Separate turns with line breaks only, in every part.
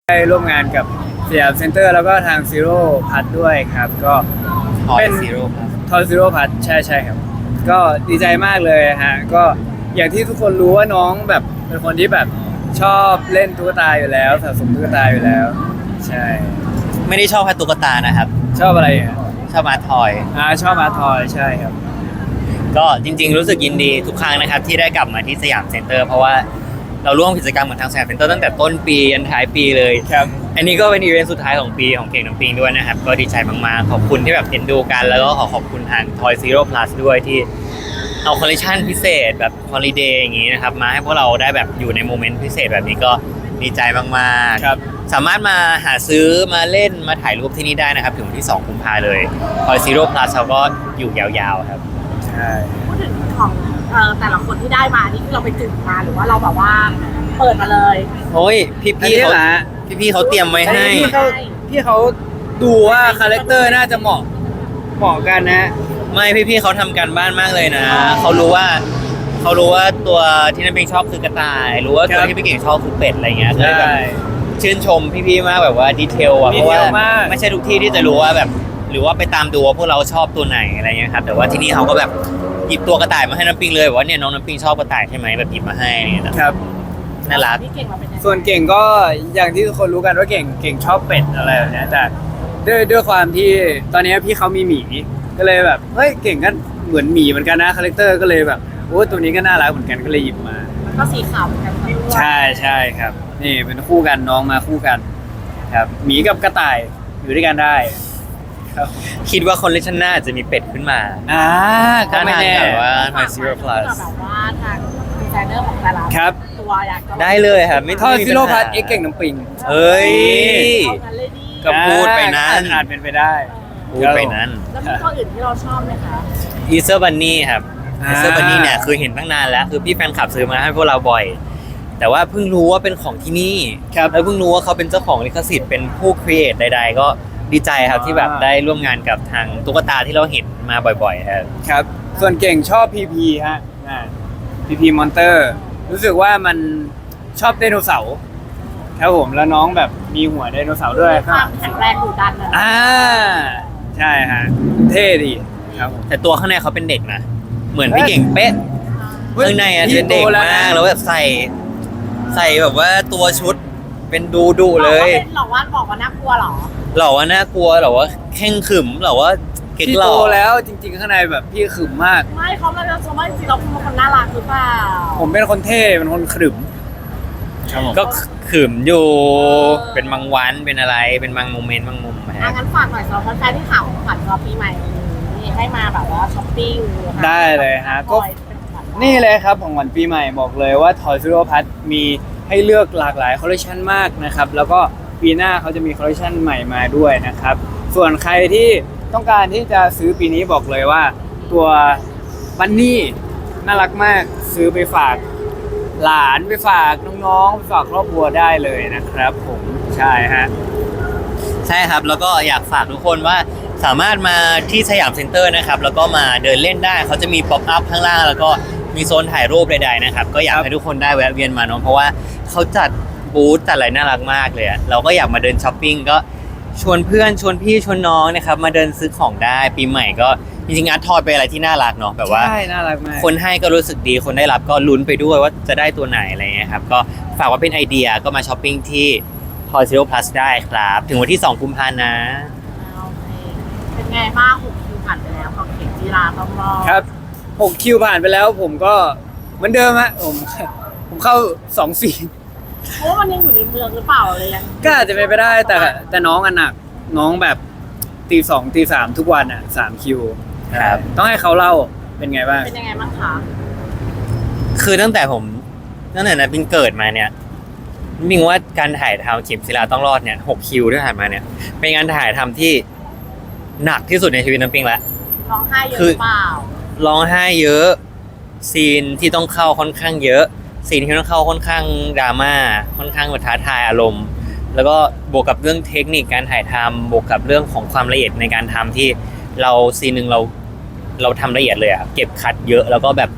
ได้ร่วมงานกับสยามเซ็นเตอร์แล้วก็ทางซีโร่พัทด้วยครับก็เป็น
Zero Plus
ทอยซีโร่พัทใช่ครับก็ดีใจมากเลยฮะก็อย่างที่ทุกคนรู้ว่าน้องแบบเป็นคนที่แบบชอบเล่นตุ๊กตาอยู่แล้วสะสมตุ๊กตาอยู่แล้วใช่
ไม่ได้ชอบแค่ตุ๊กตานะครับ
ชอบอะไรอ่ะ
ชอบมาทอย
ชอบอาร์ทอยใช่ครับ
ก็จริงๆรู้สึกยินดีทุกครั้งนะครับที่ได้กลับมาที่สยามเซ็นเตอร์เพราะว่าเราร่วมกิจกรรมกับทางสยามเซ็นเตอร์ตั้งแต่ต้นปียันท้ายปีเลย
ครับ
อันนี้ก็เป็นอีเวนต์สุดท้ายของปีของเก่งน้ำปิงด้วยนะครับก็ดีใจมากๆขอบคุณที่แบบเอ็นดูกันแล้วก็ขอบคุณทาง Toy Zero Plus ด้วยที่เอาคอลเลคชันพิเศษแบบฮอลิเดย์อย่างนี้นะครับมาให้พวกเราได้แบบอยู่ในโมเมนต์พิเศษแบบนี้ก็ดีใจมากๆ
ครับ
สามารถมาหาซื้อมาเล่นมาถ่ายรูปที่นี่ได้นะครับถึงวันที่2กุมภาเลย Toy Zero Plus เขาก็อยู่ยาวๆครับ
ใช่
พูดถึงของแต่ละคนที่ได้มานี่คือเราไปจึงมาหรือว่าเราแบบว่าเปิดมาเลย
โอ้ยพี่
อัน
ๆ
นี้
เขา
เหรอฮะ
พี่ๆเขาเตรียมไว้
อัน
ให้
นี้พี่เขาดูว่าคาแรคเตอร์น่าจะเหมาะกันนะ
ไม่พี่ๆเขาทำการบ้านมากเลยนะเขารู้ว่าตัวที่น้ำปิงชอบคือกระต่าย รู้ว่าตัวที่พี่เก่งชอบคือเป็ดอะไรเงี้ยก็เลยแบบชื่นชมพี่ๆมากแบบว่าดีเทลอ่ะเพราะว่าไม่ใช่ทุกที่ที่จะรู้ว่าแบบหรือว่าไปตามดูว่าพวกเราชอบตัวไหนอะไรเงี้ยครับแต่ว่าที่นี่เขาก็แบบหยิบตัวกระต่ายมาให้น้ำปิงเลยบอกว่าเนี่ยน้องน้ำปิงชอบกระต่ายใช่ไหมแบบหยิบมาให้เนี่ยนะครับ น่ารัก
พี่เก่งมาเป็นยังไง
ส่วนเก่งก็อย่างที่ทุกคนรู้กันว่าเก่งชอบเป็ดอะไรแบบเนี้ยแต่ด้วยความที่ตอนนี้พี่เขามีหมีก็เลยแบบเฮ้ยเก่งก็เหมือนหมีเหมือนกันนะคาแรคเตอร์ก็เลยแบบโอ้ตัวนี้ก็น่ารักเหมือนกันก็เลยหยิบมา
แล้วก็สีขาวเหมือนกันทั้งด้วย
ใช่ครับ นี่เป็นคู่กันน้องมาคู่กัน ครับหมีกับกระต่ายอยู่ด้วยกันได้ครับ
คิดว่าคอลเลคชันหน้าจะมีเป็ดขึ้นมา
ก็ไม่แน่
ถ้าทางแบบว่า
ฝาก
Toy Zero Plus
แบบว่าทางดีไซเนอร์ของแต่ละ
ครับ
ตัวอยากจะ
ได้เลยครับไม่
ทอย
มี
ซิโร่
ปัญหา
พัทเอ็กเก่งน้ำปิง
เอ้ย
เอางั้นเลยดิ
ก็พูดไปนั้น
อาจเป็นไปได้
พูดไปนั้น
แล้วมีตัวอื่นที่เราชอบไหมคะ
อีเซอร์บันนี่ครับ
อ่า
อีเซอร์บันนี่เนี่ยคือเห็นตั้งนานแล้วคือพี่แฟนคลับซื้อมาให้พวกเราบ่อย แต่ว่าเพิ่งรู้ว่าเป็นของที่นี่
ครับ
แล้วเพิ่งรู้ว่าเขาเป็นเจ้าของลิขสิทธิ์เป็นผู้ครีเอทใดๆ ก็ดีใจครับที่แบบได้ร่วมงานกับทางตุ๊กตาที่เราเห็นมาบ่อยๆครับ
ครับ ส่วนเก่งชอบพีพีฮะพีพีมอนเตอร์รู้สึกว่ามันชอบไดโนเสาร์ครับผมแล้วน้องแบบมีหัวไดโนเสาร์ด้วย
มีความแข็งแรงดุดันนะ
ใช่ฮะเท่ดีครับผม
แต่ตัวข้างในเขาเป็นเด็กนะเหมือนพี่เก่งเป๊ะ ข้างในอ่ะ
พี่
เป็นเด็ก
โตแล้ว
มาก
นะ
แล้วแบบใส่แบบว่าตัวชุดเป็นดูเลย
บอกว่าน่ากลัวเหรอ
หล่อว่าน่ากลัวหล่อว่าแข้งขรึมหล่อว่าเก่ง
พี่
หล่
โต
อ
แล้วจริงๆข้างในแบบพี่ขรึมมาก
ไม่เขามาชมว่าจริงๆเราเป็นคนน่ารักหรือเปล่า
ผมเป็นคนเท่เป็นคนขรึม
ก็ขรึมอยู่เป็นบางวันเป็นอะไรเป็นบางโมเมนต์บางมุมฮะ
งั้นฝากหน่อยสำหรับแฟนๆที่ถามของขวัญรอปีใหม่นี้ให้มาแบบว่าช้อปปิ้ง
ได้เลยฮะก็
เป็นของขวัญ
นี่เลยครับของขวัญปีใหม่บอกเลยว่า Toy Zero Plus มีให้เลือกหลากหลายคอลเลคชันมากนะครับ แล้วก็ปีหน้าเขาจะมีคอลเลคชันใหม่มาด้วยนะครับ ส่วนใครที่ต้องการที่จะซื้อปีนี้บอกเลยว่า ตัวบันนี่น่ารักมากซื้อไปฝากหลานไปฝากน้องๆไปฝากครอบครัวได้เลยนะครับผมใช่ฮะ
ใช่ครับแล้วก็อยากฝากทุกคนว่าสามารถมาที่สยามเซ็นเตอร์นะครับแล้วก็มาเดินเล่นได้เขาจะมีป๊อปอัพข้างล่างแล้วก็มีโซนถ่ายรูปใดๆนะครับก็อยากให้ทุกคนได้แวะเวียนมาเนาะเพราะว่าเขาจัดบูธจัดอะไรน่ารักมากเลยอะเราก็อยากมาเดินช้อปปิ้งก็ชวนเพื่อนชวนพี่ชวนน้องนะครับมาเดินซื้อของได้ปีใหม่ก็จริงๆอาร์ตทอยเป็นอะไรที่น่ารักเนาะแบบว่า
ใช่น่ารักมาก
คนให้ก็รู้สึกดีคนได้รับก็ลุ้นไปด้วยว่าจะได้ตัวไหนอะไรเงี้ยครับก็ฝากว่าเป็นไอเดียก็มาช้อปปิ้งที่ Toy Zero Plus ได้ครับ ถึงวันที่2กุมภาพันธ์นะ
โอเคเป็นไงบ้าง6 คิวผ่านไปแล้วของเข็มจีราต้องรอ
ครับ6คิวผ่านไปแล้วผมก็เหมือนเดิมฮะผมเข้า2ซีน
เพราะว่ามันยังอยู่ในเมืองหรือเปล่าเลยยัง
ก็อาจจะเป็นไปได้แต่น้องอันหนักน้องแบบตี 2ตี 3ทุกวันอ่ะ3คิว
ครับ
ต้องให้เขาเล่าเป็นไงบ้าง
เป็นยังไงบ้างคะ
คือตั้งแต่นะปิงเกิดมาเนี่ยมิงว่าการถ่ายทำเข็มศิลาต้องรอดเนี่ย6คิวที่ผ่านมาเนี่ยเป็นการถ่ายทำที่หนักที่สุดในชีวิตน้ำปิงละ
ร้องไห้เยอะ
คือ
หรือเปล่า
ร้องไห้เยอะซีนที่ต้องเข้าค่อนข้างเยอะซีนที่ต้องเข้าค่อนข้างดราม่าค่อนข้างแบบท้าทายอารมณ์ แล้วก็บวกกับเรื่องเทคนิคการถ่ายทำบวกกับเรื่องของความละเอียดในการทำที่เราซีนหนึ่งเราทำละเอียดเลยอะเก็บคัดเยอะแล้วก็แบบ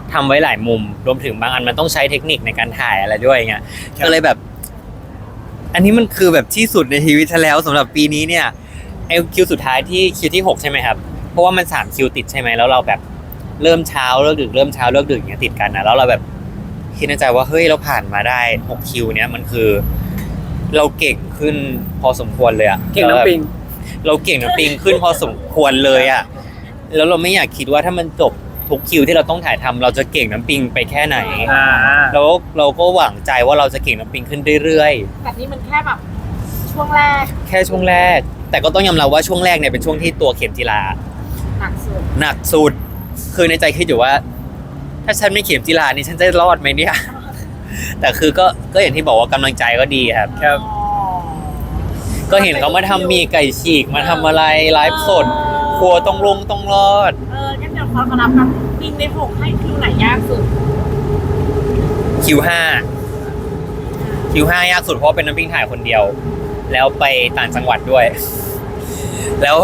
ทำไว้หลายมุมรวมถึงบางอันมันต้องใช้เทคนิคในการถ่ายอะไรด้วยเงี้ย
ครับ
ก็เลยแบบอันนี้มันคือแบบที่สุดในชีวิตฉันแล้วสำหรับปีนี้เนี่ยไอคิวสุดท้ายที่คิวที่ 6ใช่ไหมครับเพราะว่ามัน3คิวติดใช่ไหมแล้วเราแบบเริ่มเช้าเลิกดึกเริ่มเช้าเลิกดึกอย่างเงี้ยติดกันนะแล้วเราแบบคิดในใจว่าเฮ้ยเราผ่านมาได้6คิวเนี้ยมันคือ เราเก่งขึ้นพอสมควรเลยอะ
เก่งน้ำปิง
เราเก่งน้ำปิงขึ้นพอสมควรเลยอะแล้วเราไม่อยากคิดว่าถ้ามันจบทุกคิวที่เราต้องถ่ายทำเราจะเก่งน้ำปิงไปแค่ไหน แล้วเราก็หวังใจว่าเราจะเก่งน้ำปิงขึ้นเรื่อย
แต่นี่มันแค่แบบช่วงแรก
ๆแค่ช่วงแรก แต่ก็ต้องยอมรับว่าช่วงแรกเนี่ยเป็นช่วงที่ตัวเข็มจีรา
หนักสุด
หนักสุดคือในใจคิดอยู่ว่า ถ้าฉันไม่เข็มจีรานี่ฉันจะรอดไหมเนี่ย แต่คือก็อย่างที่บอกว่ากำลังใจก็ดีครับ
ครับ
ก็เห็นเขามาทำมีไก่ฉีกมาทำอะไรไลฟ์สดครัวต้องลงต้องรอด
งั้นเดี๋ยวขอนับกันปิงใน6ให้คิวไหนยากสุด
คิวห้าคิวห้ายากสุดเพราะเป็นน้ำปิ้งถ่ายคนเดียว แล้วไปต่างจังหวัดด้วย แล้ว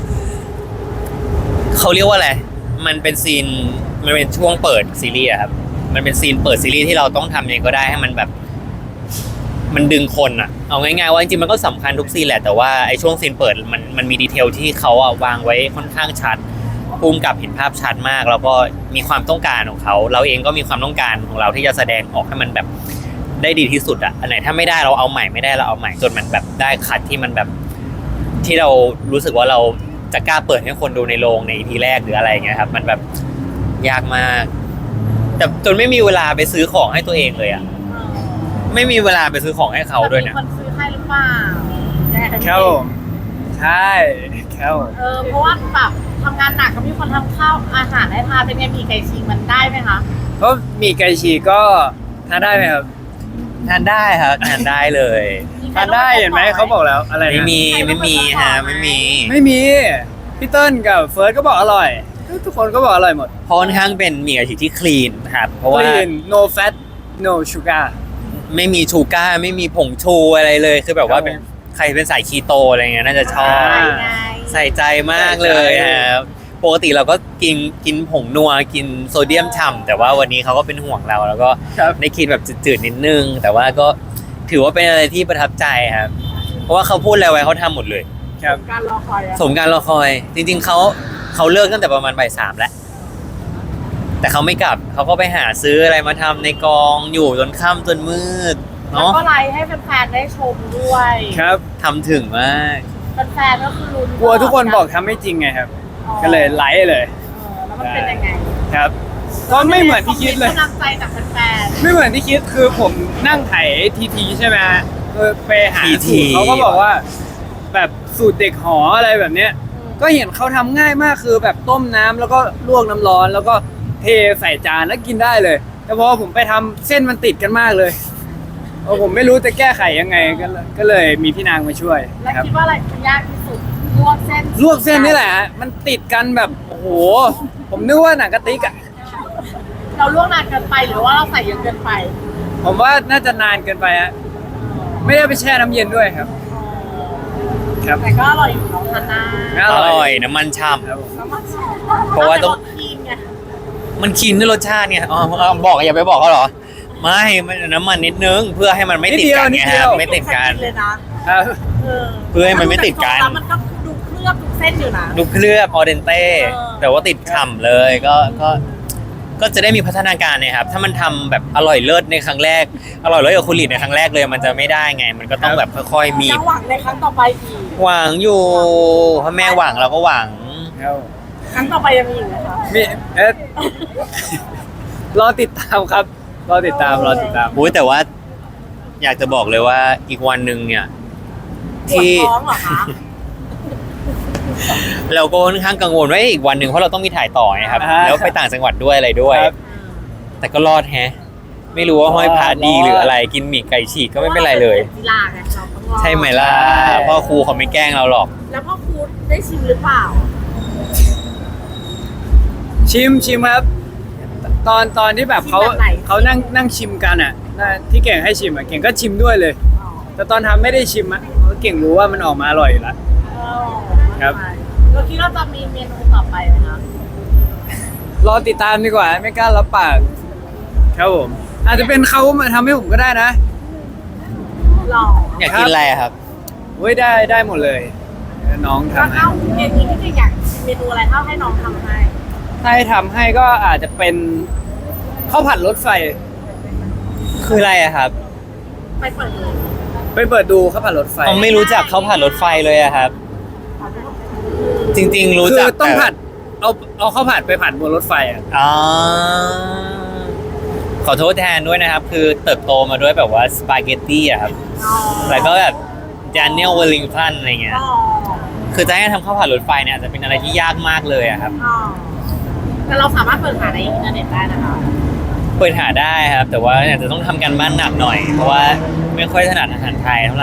เขาเรียกว่าอะไรมันเป็นซีนมันเป็นช่วงเปิดซีรีส์อะครับมันเป็นซีนเปิดซีรีส์ที่เราต้องทำยังไงก็ได้ให้มันแบบ มันดึงคนอะเอาง่ายๆว่าจริงๆมันก็สำคัญทุกซีนแหละแต่ว่าไอ้ช่วงซีนเปิดมันมีดีเทลที่เขาอะวางไว้ค่อนข้างชัดภูมิกับเห็นภาพชัดมาก แล้วก็มีความต้องการของเขาเราเองก็มีความต้องการของเราที่จะแสดงออกให้มันแบบได้ดีที่สุดอะอันไหนถ้าไม่ได้เราเอาใหม่ไม่ได้เราเอาใหม่จนมันแบบได้คัดที่มันแบบที่เรารู้สึกว่าเราจะกล้าเปิดให้คนดูในโรงใน EP แรกหรืออะไรอย่างเงี้ยครับมันแบบยากมากแต่จนไม่มีเวลาไปซื้อของให้ตัวเองเลยอะไม่มีเวลาไปซื้อของให้เขาด้วยเนี่ย
มีคนซื้อให้หรือเปล่า
ครับผมใช่ครับผม
เพราะว่าแบบทำงานหนักก็มีคนทำข้าวอาหารให้ทานเป็นไงมีไก่ฉีกมันได้ไหมคะ
เพราะมีไก่ฉีกก็ทานได้ไหมครับ
ทานได้ครับทานได้เลย
ทานได้เห็นไหมเขาบอกแล้วอะไรนะ
ไม่มีฮะไม่มี
ไม่มีพี่เติ้ลกับเฟิร์สก็บอกอร่อย ทุกคนก็บอกอร่อยหมด
เพราะค่อนข้างเป็นหมี่กะทิที่คลีนครับเพราะว่า
clean no fat no sugar
ไม่มีชูก้าร์ไม่มีผงชูอะไรเลย คือแบบว่า
ครับ
เป็นใครเป็นสายคีโตอะไรเงี้ยน่าจะชอบ
อ่า
ไง
ใส่ใจมากเลยครับปกติเราก็กินผงนัวกินโซเดียมฉ่ำแต่ว่าวันนี้เขาก็เป็นห่วงเราแล้วก็
ครับ
ได้กินแบบจืดๆนิดนึง แต่ว่าก็ถือว่าเป็นอะไรที่ประทับใจครับเพราะว่าเขาพูดอะไรไว้เขาทำหมดเลย
ครับ
การรอคอยอะ
สมการรอคอย จริงๆเขาเลิกตั้งแต่ประมาณบ่าย 3แล้วแต่เขาไม่กลับเขาก็ไปหาซื้ออะไรมาทำในกองอยู่จนค่ำจนมืด
แล้ว
เนาะ
ก็ไลฟ์ให้แฟนๆได้ชมด้วย
ครับ
ทำถึงมาก
แฟนๆก็คือลุ้น
กลัวทุกคนบอกทำไม่จริงไงครับ ก็เลยไลฟ์เลย
แล้วมันเป็นยังไง
ครับ ก็ไม่เหมือนที่คิดเลย
กำลังใจจากแฟน
ไม่เหมือนที่คิดคือผมนั่งไถทีใช่ไหมฮะไปหาสูตรเขาก็บอกว่า แบบสูตรเด็กหออะไรแบบเนี้ย ก็เห็นเขาทำง่ายมากคือแบบต้มน้ำแล้วก็ลวกน้ำร้อน แล้วก็เทใส่จานแล้วกินได้เลย แต่พอผมไปทำเส้นมันติดกันมากเลยผมไม่รู้จะแก้ไขยังไงก็เลยมีพี่นางมาช่วย
ๆแล้ว
ครับ
คิดว่าอะไรมันยากที่สุดลวกเส้น
ลวกเส้นนี่แหละฮะมันติดกันแบบโอ้โหผมนึกว่าหนังกะติกอะ
เราลวกนานเกินไปหรือว่าเราใส่เยอะเกินไป
ผมว่าน่าจะนานเกินไปฮะไม่ได้ไปแช่น้ำเย็นด้วยครับ ครับ
แต่ก็อร่อยอยู่เนาะทานได้
อร่อยน้ำมันฉ่
ครับผม
แล้วมัน
เพราะว่าต้อง
คีนไง
ำมันคีนด้วยรสชาติเนี่ยอ๋อบอกอย่าไปบอกเขาเหรอไม่มันน้ำมันนิดนึงเพื่อให้มันไม่ติดกันไงครับไม่ติดกัน
เลยนะครับ
เพื่อให้มันไม่ติดกัน
แล้วมันก็ดูเคลือบทุกเส้นอยู่นะ
ดูเคลือบออเดนเต้
เออ
แต่ว่าติดฉ่ำเลยก็จะได้มีพัฒนาการนะครับถ้ามันทำแบบอร่อยเลิศในครั้งแรกอร่อยเลิศกับคุณหลีดในครั้งแรกเลยมันจะไม่ได้ไง มันก็ต้องแบบค่อยๆมี
ยังหวังในครั้งต่อไปอีก
หวังอยู่เพราะแม่หวังเราก็หวัง
ครับ
ครั้งต่อไปยังมีอีกไหมคะ
มีรอติดตามครับ รอติดตาม
อุ้ยแต่ว่าอยากจะบอกเลยว่าอีกวันหนึ่งเนี่ย
ปวด
ที่
ท้องเหรอคะ
เราก็ค่อนข้างกังวลว่าอีกวันหนึ่งเพราะเราต้องมีถ่ายต่อไงครับ
อ่า
แล้วไปต่างจังหวัดด้วยอะไรด้วย
ครับ
แต่ก็รอดแฮะ ไม่รู้ว่าห้อยพระดีหรืออะไรกินหมี่ไก่ฉีกก็ไม่เป็นไรเลย
กีฬาไงเราต้องรอด
ใช่ไหมล่ะพ่อครูเขาไม่แกล้งเราหรอก
แล้วพ่อครูได้ชิมหรือเปล่า
ชิมครับ ตอนที่แบบเขา
ชิมแบบไหน
เขานั่งชิมกันอ่ะที่เก่งให้ชิมอ่ะเก่งก็ชิมด้วยเลย แต่ตอนทำไม่ได้ชิมอ่ะเพราะเก่งรู้ว่ามันออกมาอร่อยอยู่แล้ว ครับ
เราคิดว่าจะมีเมนูต่อไปไหมคะ
รอติดตามดีกว่าไม่กล้ารับปากครับผมอาจจะเป็นเขามาทำให้ผมก็ได้นะ
หรอ
อยากกินอะไรอะครับ
เว้ยได้หมดเลย น้อง
ก็
ทำให้
เข้าเมนูที่จริงอยากเมนูอะไรเข้าให้น้องทำให้
ถ้าให้ทำให้ก็อาจจะเป็นข้าวผัดรถไฟ
คืออะไรอะครับ
ไปเปิดดู
ไปเปิดดูข้าวผัดรถไฟ
ผมไม่รู้จักข้าวผัดรถไฟเลยอะครับ จริงๆรู้
คื
จั
อก ต้อง
แต่
ผัดเอาข้าวผัดไปผัดบนรถไฟอ่ะ
อ๋อขอโทษแทนด้วยนะครับ คือเติบโตมาด้วยแบบว่าสปาเกตตี้อะครับ
อ๋อ
แล้วก็แบบจานเนียลเวลลิงตันอะไรเงี้ย
อ๋อ
คือจะให้ทำข้าวผัดรถไฟเนี่ยอาจจะเป็นอะไรที่ยากมากเลยอะครับ
อ๋อแต่เราสามารถเปิดหาในอินเทอร์เน็ตได้นะคะ
เปิดหาได้ครับ แต่ว่าอาจจะต้องทำกันบ้านหนักหน่อย เพราะว่าไม่ค่อยถนัดอาหารไทยเท่าไหร่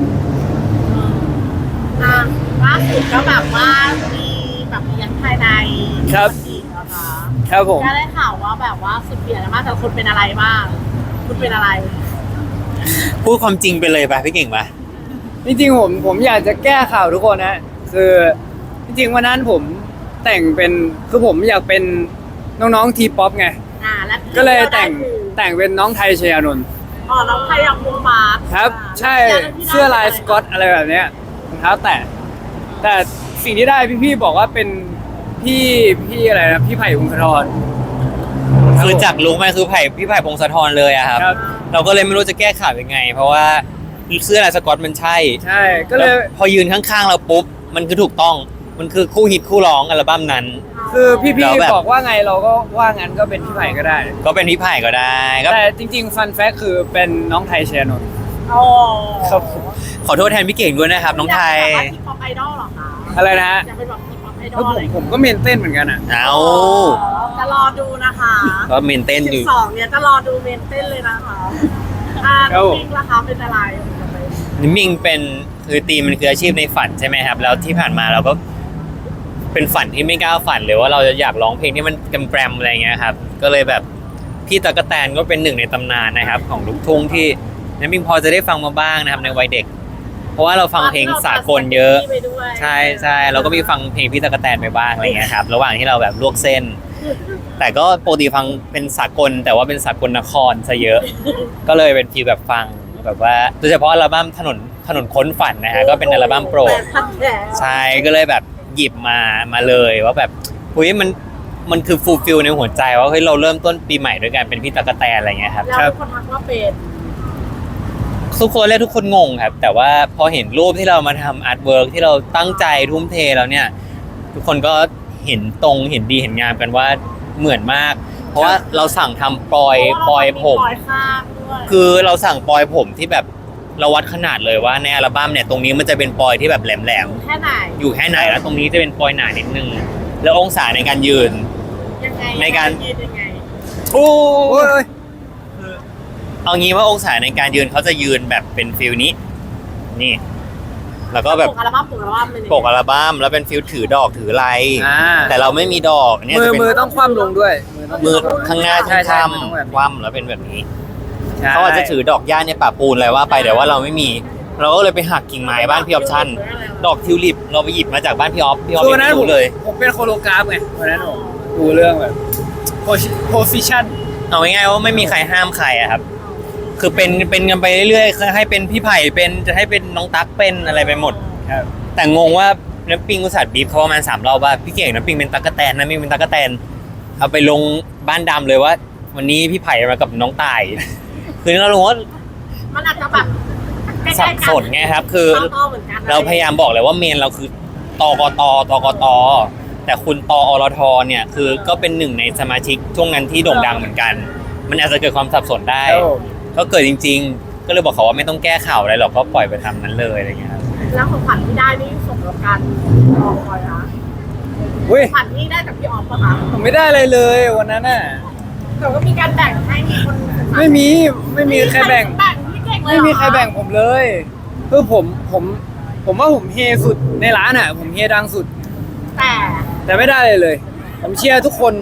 อ่าล่าสุดก็แบบว่ามีแบบเลี้ยงภายใน
ครับ
อีกนะคะ
ครับผม
ก็ได้ข่าวว่าแบบว่าสุดเปลี่ยนมากแต่คุณเป็นอะไรบ้าง คุณเป็นอะไร
พูดความจริงไปเลยป่ะพี่เก่งป่ะ
จริงๆผมอยากจะแก้ข่าวทุกคนนะคือจริงๆวันนั้นผมแต่งเป็นคือผมอยากเป็นน้องๆทีป๊อปไง
และ
ก็เลยแต่ง
ที่
แต่งเป็นน้องไทยชยานนท์
อ๋อน้องไทยอยากมุงบาส
ครับ ใช่เสื้อลายสก๊อตอะไรแบบเนี้ยรองเท้าแตะแต่สิ่งที่ได้พี่ๆบอกว่าเป็นพี่อะไรนะพี่ไผ่พงศธร
คือจากลุงไหมคือพี่ไผ่พงศธรเลยอะครับ
ครับ
เราก็เลยไม่รู้จะแก้ข่าวยังไง เพราะว่าเสื้อลายสก๊อตมันใช่
ใช่ก็เลย
แวพอยืนข้างๆเราปุ๊บมันคือถูกต้องมันคือคู่ฮิตคู่ร้องอัลบั้มนั้น
คือพี่
แล้วแบบ
ๆบอกว่าไงเราก็ว่างั้นก็เป็นพี่ไผ่ก็ได้
ก็เป็นพี่ไผ่ก็ได้ก็
แต่จริงๆฟันแฟกคือเป็นน้องไทยชยานนท์
อ๋อ
ครับ
ขอโทษแทนพี่เก่งด้วยนะครับ น้องไทย
อยากเป็นแบบว่าทีป๊อปไอดอลเหรอคะ
อะไรนะฮะ
อยากเป็นแบบทีป๊อปไอดอ
แล้ว
ลอะไร
ผมก็เมนเต้นเหมือนกันอ่ะ
เอา
จะรอดูนะคะ
ก็เมนเต้นอยู่
12เนี่ยจะรอดูเมนเต้นเลยนะคะน้องมิงล่ะคะเป็นอะไร
นิมมิงเป็นคือตีมมันคืออาชีพในฝันใช่ไหมครับ แล้วที่ผ่านมาเราก็เป็นฝันที่ไม่กล้าฝันเลยว่าเราจะอยากร้องเพลงที่มันแกรมๆอะไรเงี้ยครับ ก็เลยแบบพี่ตั๊กแตนก็เป็นหนึ่งในตำนานนะครับ ของลูกทุ่งที่นิมมิงพอจะได้ฟังมาบ้างนะครับในวัยเด็ก เพราะว่าเราฟังเพลงสากลเยอะ ใช่ใช่เราก็มีฟังเพลงพี่ตั๊กแตนไปบ้างอะไรเงี้ยครับระหว่างที่เราแบบลวกเส้น แต่ก็ปกติฟังเป็นสากลแต่ว่าเป็นสากลนครซะเยอะ ก็เลยเป็นฟีลแบบฟังแบบว่าโดยเฉพาะอัลบั้มถนนค้นฝันนะฮะก็เป็นอัลบั้มโปรดใช่ก็เลยแบบหยิบมาเลยว่าแบบเฮ้ยมันคือฟูลฟิลในหัวใจว่าเฮ้ยเราเริ่มต้นปีใหม่ด้วยกันเป็นพี่ตั๊กแตนอะไรเงี้ยครับ
แล้วคนทักว่าเป็น
ทุกคนและทุกคนงงครับ แต่ว่าพอเห็นรูปที่เรามาทำอาร์ตเวิร์กที่เราตั้งใจทุ่มเทแล้วเนี่ย ทุกคนก็เห็นตรงเห็นดีเห็นงามกันว่าเหมือนมาก เพราะว่าเราสั่งทำปลอยผม
ปลอยข้างด้วย
คือเราสั่งปลอยผมที่แบบเราวัดขนาดเลยว่าในอัลบั้มเนี่ยตรงนี้มันจะเป็นปลอยที่แบบแหลม
แค่ไหน
ๆอยู่แค่ไหนแล้วตรงนี้จะเป็นปลอยหนานิดนึงแล้วองศาในการยืน
ยังไง
ในการ
ยืนยังไง
โอ้
โอ้ย
เอางี้ว่าองศาในการยืนเขาจะยืนแบบเป็นฟิลนี้ นี่ แล้วก็แบบ
ปกอัลบั้มปกอัลบั้มเป็นยังไง
ปกอัลบั้มแล้วเป็นฟิลถือดอกถืออะไร
อ่า
แต่เราไม่มีดอกเนี่ย
มื
จะ
อ
เป็น
มือต้องคว่ำลงด้วยต้อง
มือข้างหน้า
ใช่
ข้าง
ใช่มันต้องแบบนี้
คว่ำแล้วเป็นแบบนี้
ใช่
เขาอาจจะถือดอกหญ้าในป่าปูนอะไรว่าไปแต่ว่าเราไม่มี เราก็เลยไปหักกิ่งไม้บ้านพี่ออปชั่น ดอกทิวลิปเราไปหยิบมาจากบ้านพี่ออฟพี่ออฟ
คือวัน
ยัง
นั้น
ไม่
ผม
รู้เลย
ผมเป็นโคโลกราฟไงวันนั้นผมดูเรื่องแบบโพสิชัน
เอาง่ายๆว่าไม่มีใครห้ามใครอะครับ คือเป็นกันไปเรื่อยๆให้เป็นพี่ไผ่เป็นจะให้เป็นน้องตั๊กเป็นอะไรไปหมด
ครับ
แต่งงว่าน้ำปิงอุตส่าห์บีบเขาประมาณ3 รอบว่าพี่เก่งน้ำปิงเป็นตั๊กแตนน้ำปิงเป็นตั๊กแตนเอาไปลงบ้านดำเลยว่า วันนี้พี่ไผ่มากับน้องต่าย คือเรารู้ว่า
มันอาจจะแบบใกล้ๆ
สั
กับ
สนไงครับ คือ
ต่อๆเหมือนกัน
เราพยายามบอกเลยว่าเมนเราคือตกตแต่คุณตอรทเนี่ยคือก็เป็นหนึ่งในสมาชิกช่วงนั้นที่โด่งดังเหมือนกัน มันอาจจะเกิดความสับสนได้
ครับผม
ก็เกิดจริง ๆ ก็เลยบอกเขาว่าไม่ต้องแก้ข่าวอะไรหรอกก็ปล่อยไปทำนั้นเลยอะไรเงี้ยครับ
แล้วของขวัญที่ได้นี่ส่งกับการรอคอยนะ
อุ้ย
ขวัญที่ได้จากพี่ออฟปะคะ
ผมไม่ได้อะไรเลยวันนั้นน่ะ
แต่ก็มีการแบ่งให้มีคน
ไม่มีใครแบ่ง
พี่เก่งเลย
ไม่มีใครแบ่งผมเลยคือผมว่าผมเฮสุดในร้านอ่ะ ผมเฮดังสุด
แต่
แต่ไม่ได้เลย ผมเชียร์ทุกคน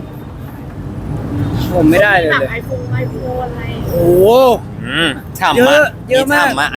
ผมไม่ได้เลย
แบบ
เลย
ไอโฟนอะไร
โอ้โห
ฉ่ำ
เย
มา
อะ
ก
เยอะมาก
ฉ่ำมาก